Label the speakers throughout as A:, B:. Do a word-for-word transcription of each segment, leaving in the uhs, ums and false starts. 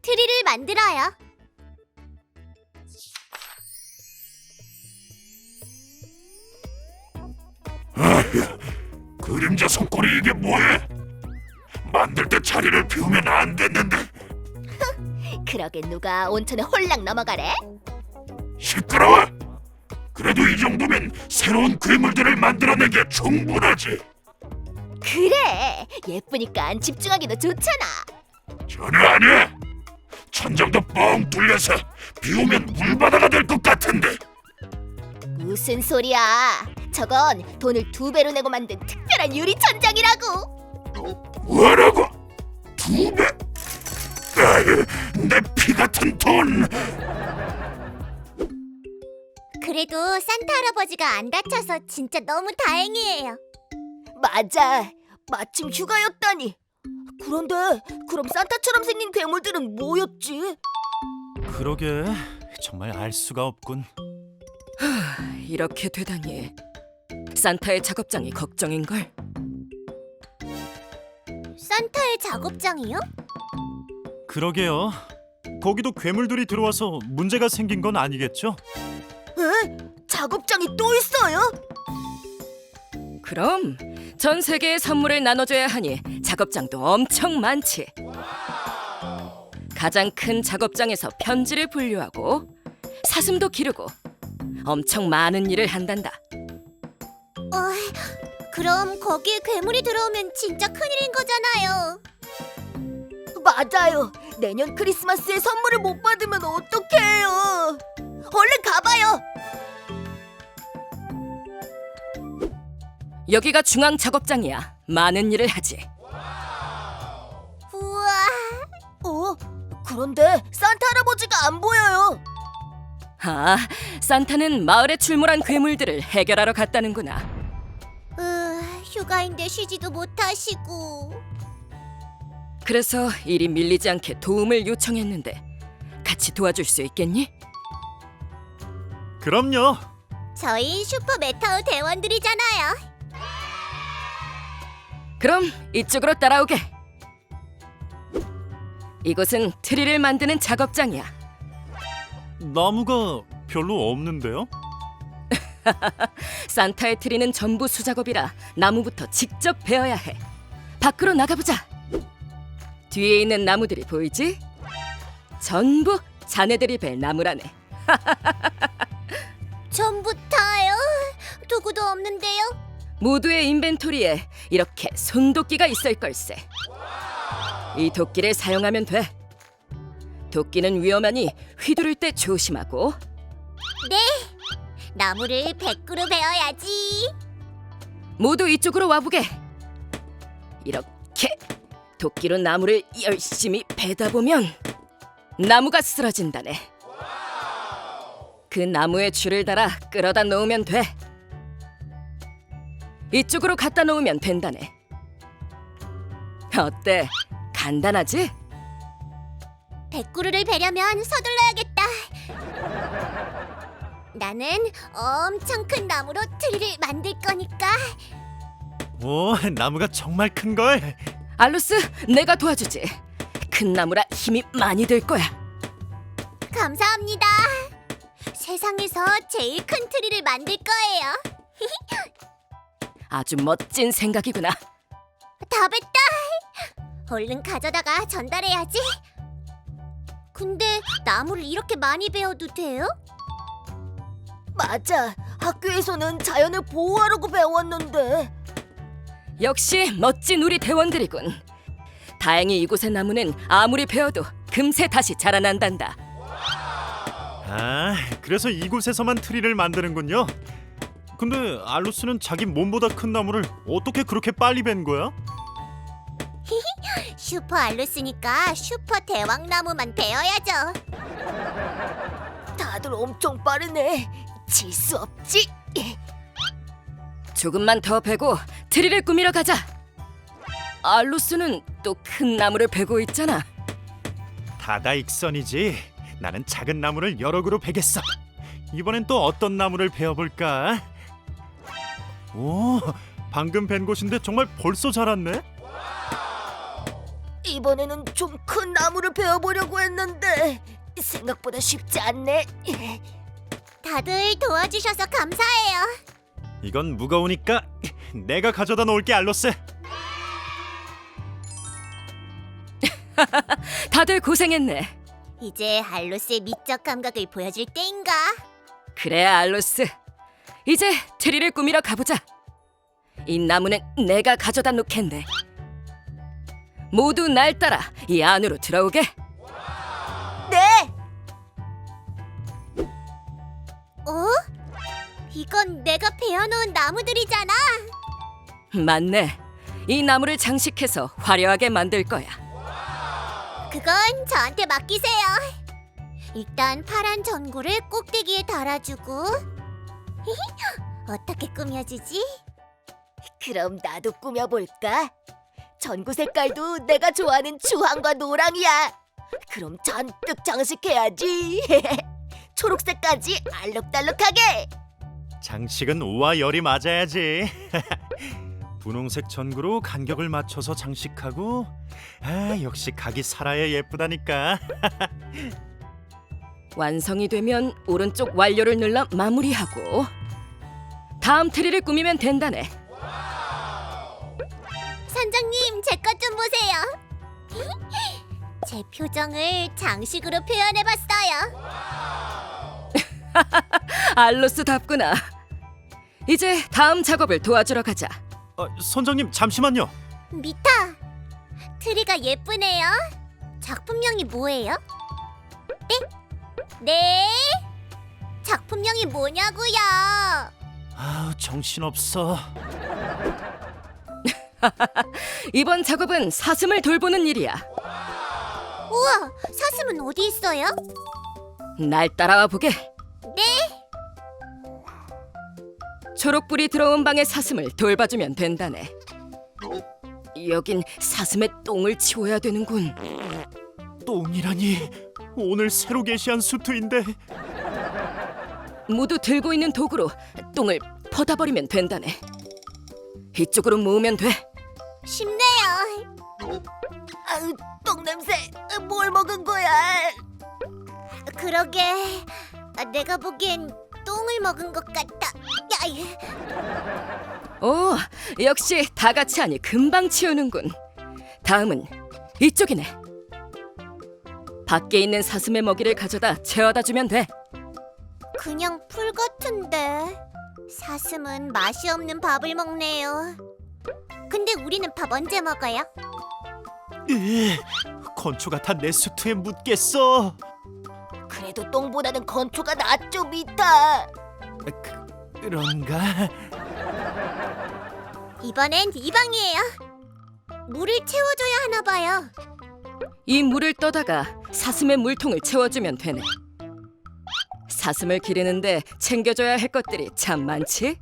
A: 트리를 만들어요.
B: 아휴, 그림자 손꼬리 이게 뭐야? 만들 때 자리를 비우면 안 됐는데.
A: 그러게 누가 온천에 홀랑 넘어가래?
B: 시끄러워. 그래도 이 정도면 새로운 괴물들을 만들어내기에 충분하지.
A: 그래, 예쁘니까 집중하기도 좋잖아.
B: 전혀 아니야. 천장도 뻥 뚫려서 비오면 물바다가 될 것 같은데.
A: 무슨 소리야? 저건 돈을 두 배로 내고 만든 특별한 유리 천장이라고.
B: 뭐라고? 두 배? 아휴, 내 피 같은 돈.
A: 그래도 산타 할아버지가 안 다쳐서 진짜 너무 다행이에요. 맞아, 마침 휴가였다니. 그런데 그럼 산타처럼 생긴 괴물들은 뭐였지?
C: 그러게 정말 알 수가 없군.
D: 이렇게 되다니. 산타의 작업장이 걱정인걸.
A: 산타의 작업장이요?
C: 그러게요. 거기도 괴물들이 들어와서 문제가 생긴 건 아니겠죠?
A: 에? 작업장이 또 있어요?
D: 그럼 전 세계에 선물을 나눠줘야 하니 작업장도 엄청 많지. 가장 큰 작업장에서 편지를 분류하고 사슴도 기르고 엄청 많은 일을 한단다.
A: 어, 그럼 거기에 괴물이 들어오면 진짜 큰일인 거잖아요. 맞아요. 내년 크리스마스에 선물을 못 받으면 어떡해요. 얼른 가봐요.
D: 여기가 중앙 작업장이야. 많은 일을 하지.
A: 우와. 어? 그런데 산타 할아버지가 안 보여요.
D: 아, 산타는 마을에 출몰한 괴물들을 해결하러 갔다는구나.
A: 으, 휴가인데 쉬지도 못하시고.
D: 그래서 일이 밀리지 않게 도움을 요청했는데 같이 도와줄 수 있겠니?
C: 그럼요.
A: 저희 슈퍼 메타우 대원들이잖아요.
D: 그럼 이쪽으로 따라오게. 이곳은 트리를 만드는 작업장이야.
C: 나무가 별로 없는데요?
D: 산타의 트리는 전부 수작업이라 나무부터 직접 베어야 해. 밖으로 나가보자. 뒤에 있는 나무들이 보이지? 전부 자네들이 벨 나무라네.
A: 전부 다요? 도구도 없는데요?
D: 모두의 인벤토리에 이렇게 손도끼가 있을 걸세. 이 도끼를 사용하면 돼. 도끼는 위험하니 휘두를 때 조심하고.
A: 네. 나무를 백 그루 베어야지.
D: 모두 이쪽으로 와보게. 이렇게 도끼로 나무를 열심히 베다 보면 나무가 쓰러진다네. 그 나무에 줄을 달아 끌어다 놓으면 돼. 이쪽으로 갖다 놓으면 된다네. 어때? 간단하지?
A: 백 그루를 베려면 서둘러야겠다. 나는 엄청 큰 나무로 트리를 만들 거니까.
C: 오, 나무가 정말 큰 걸.
D: 알루스, 내가 도와주지. 큰 나무라 힘이 많이 들 거야.
A: 감사합니다. 세상에서 제일 큰 트리를 만들 거예요.
D: 아주 멋진 생각이구나.
A: 다 뱄다. 얼른 가져다가 전달해야지. 근데 나무를 이렇게 많이 베어도 돼요? 맞아. 학교에서는 자연을 보호하라고 배웠는데.
D: 역시 멋진 우리 대원들이군. 다행히 이곳의 나무는 아무리 베어도 금세 다시 자라난단다.
C: 아, 그래서 이곳에서만 트리를 만드는군요. 근데 알루스는 자기 몸보다 큰 나무를 어떻게 그렇게 빨리 벤 거야?
A: 슈퍼 알루스니까 슈퍼 대왕나무만 베어야죠. 다들 엄청 빠르네. 질 수 없지.
D: 조금만 더 베고 트리를 꾸미러 가자. 알루스는 또 큰 나무를 베고 있잖아.
C: 다다익선이지. 나는 작은 나무를 여러 그루 베겠어. 이번엔 또 어떤 나무를 베어볼까? 오, 방금 벤 곳인데 정말 벌써 자랐네.
A: 이번에는 좀 큰 나무를 베어보려고 했는데 생각보다 쉽지 않네. 다들 도와주셔서 감사해요.
C: 이건 무거우니까 내가 가져다 놓을게, 알로스.
D: 다들 고생했네.
A: 이제 알로스의 미적 감각을 보여줄 때인가?
D: 그래, 알로스. 이제 트리를 꾸미러 가보자. 이 나무는 내가 가져다 놓겠네. 모두 날 따라 이 안으로 들어오게.
A: 네. 어? 이건 내가 베어놓은 나무들이잖아.
D: 맞네. 이 나무를 장식해서 화려하게 만들 거야.
A: 그건 저한테 맡기세요. 일단 파란 전구를 꼭대기에 달아주고 어떻게 꾸며주지? 그럼 나도 꾸며볼까? 전구 색깔도 내가 좋아하는 주황과 노랑이야. 그럼 잔뜩 장식해야지. 초록색까지 알록달록하게.
C: 장식은 우와 열이 맞아야지. 분홍색 전구로 간격을 맞춰서 장식하고, 아 역시 각이 살아야 예쁘다니까.
D: 완성이 되면 오른쪽 완료를 눌러 마무리하고 다음 트리를 꾸미면 된다네.
A: 선장님, 제 것 좀 보세요. 제 표정을 장식으로 표현해봤어요.
D: 알로스답구나. 이제 다음 작업을 도와주러 가자.
C: 아, 선장님 잠시만요.
A: 미타, 트리가 예쁘네요. 작품명이 뭐예요? 네? 네? 작품명이 뭐냐고요?
C: 아 정신없어.
D: 이번 작업은 사슴을 돌보는 일이야.
A: 우와, 사슴은 어디 있어요?
D: 날 따라와 보게.
A: 네?
D: 초록불이 들어온 방의 사슴을 돌봐주면 된다네. 여긴 사슴의 똥을 치워야 되는군.
C: 똥이라니. 오늘 새로 게시한 수트인데.
D: 모두 들고 있는 도구로 똥을 퍼다 버리면 된다네. 이쪽으로 모으면 돼.
A: 쉽네요. 아유, 똥 냄새. 뭘 먹은 거야? 그러게, 내가 보기엔 똥을 먹은 것 같다. 야,
D: 오, 역시 다 같이 하니 금방 치우는군. 다음은 이쪽이네. 밖에 있는 사슴의 먹이를 가져다 채워다 주면 돼.
A: 그냥 풀 같은데. 사슴은 맛이 없는 밥을 먹네요. 근데 우리는 밥 언제 먹어요?
C: 으, 건초가 다 내 수트에 묻겠어.
A: 그래도 똥보다는 건초가 낫죠, 미타.
C: 그, 그런가?
A: 이번엔 이 방이에요. 물을 채워줘야 하나 봐요.
D: 이 물을 떠다가 사슴의 물통을 채워주면 되네. 사슴을 기르는데 챙겨줘야 할 것들이 참 많지?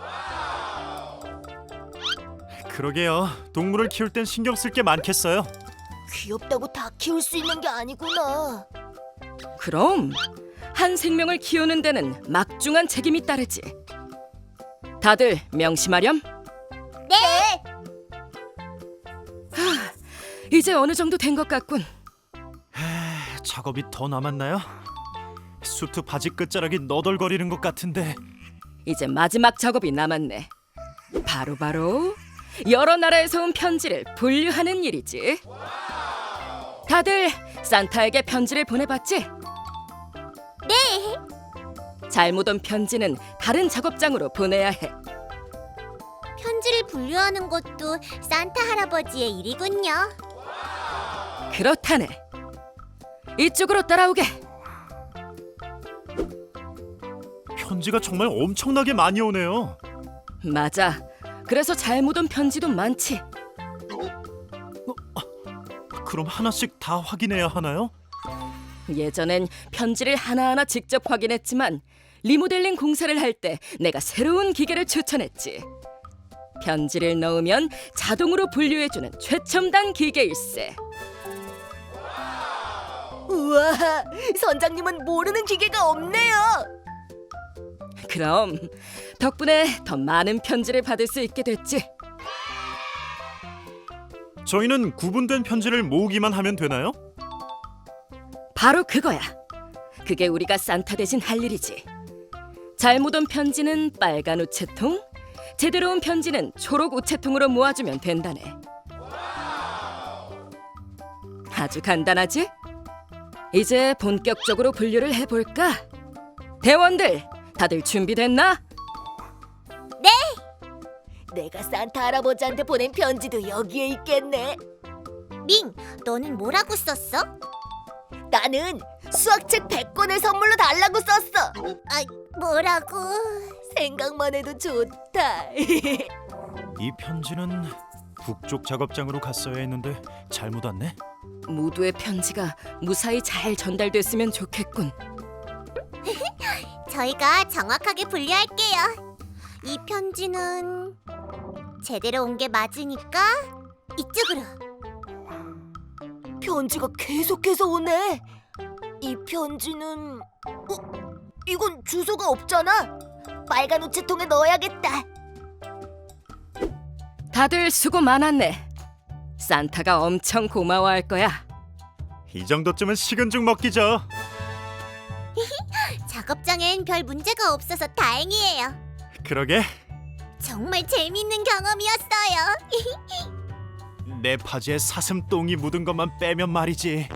C: 그러게요. 동물을 키울 땐 신경 쓸 게 많겠어요.
A: 귀엽다고 다 키울 수 있는 게 아니구나.
D: 그럼 한 생명을 키우는 데는 막중한 책임이 따르지. 다들 명심하렴.
A: 네.
D: 이제 어느 정도 된 것 같군.
C: 작업이 더 남았나요? 수트 바지 끝자락이 너덜거리는 것 같은데.
D: 이제 마지막 작업이 남았네. 바로 바로 여러 나라에서 온 편지를 분류하는 일이지. 다들 산타에게 편지를 보내봤지?
A: 네.
D: 잘못 온 편지는 다른 작업장으로 보내야 해.
A: 편지를 분류하는 것도 산타 할아버지의 일이군요.
D: 그렇다네. 이쪽으로 따라오게.
C: 편지가 정말 엄청나게 많이 오네요.
D: 맞아. 그래서 잘못 온 편지도 많지.
C: 그럼 하나씩 다 확인해야 하나요?
D: 예전엔 편지를 하나하나 직접 확인했지만 리모델링 공사를 할 때 내가 새로운 기계를 추천했지. 편지를 넣으면 자동으로 분류해주는 최첨단 기계일세.
A: 우와, 선장님은 모르는 기계가 없네요.
D: 그럼 덕분에 더 많은 편지를 받을 수 있게 됐지.
C: 저희는 구분된 편지를 모으기만 하면 되나요?
D: 바로 그거야. 그게 우리가 산타 대신 할 일이지. 잘못 온 편지는 빨간 우체통, 제대로 온 편지는 초록 우체통으로 모아주면 된다네. 아주 간단하지? 이제 본격적으로 분류를 해볼까? 대원들, 다들 준비됐나?
E: 내가 산타 할아버지한테 보낸 편지도 여기에 있겠네.
A: 밍, 너는 뭐라고 썼어?
E: 나는 수학책 백 권을 선물로 달라고 썼어.
A: 아, 뭐라고?
E: 생각만 해도 좋다.
C: 이 편지는 북쪽 작업장으로 갔어야 했는데 잘못 왔네.
D: 모두의 편지가 무사히 잘 전달됐으면 좋겠군.
A: 저희가 정확하게 분류할게요. 이 편지는 제대로 온 게 맞으니까 이쪽으로.
E: 편지가 계속해서 오네. 이 편지는 어? 이건 주소가 없잖아. 빨간 우체통에 넣어야겠다.
D: 다들 수고 많았네. 산타가 엄청 고마워할 거야.
C: 이 정도쯤은 식은 죽 먹기죠.
A: 작업장엔 별 문제가 없어서 다행이에요.
C: 그러게.
A: 정말 재밌는 경험이었어요.
C: 내 바지에 사슴똥이 묻은 것만 빼면 말이지.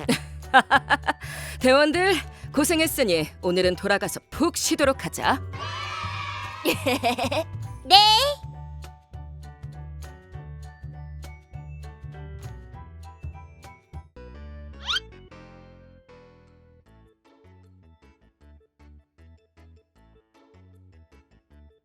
D: 대원들 고생했으니 오늘은 돌아가서 푹 쉬도록 하자.
A: 네.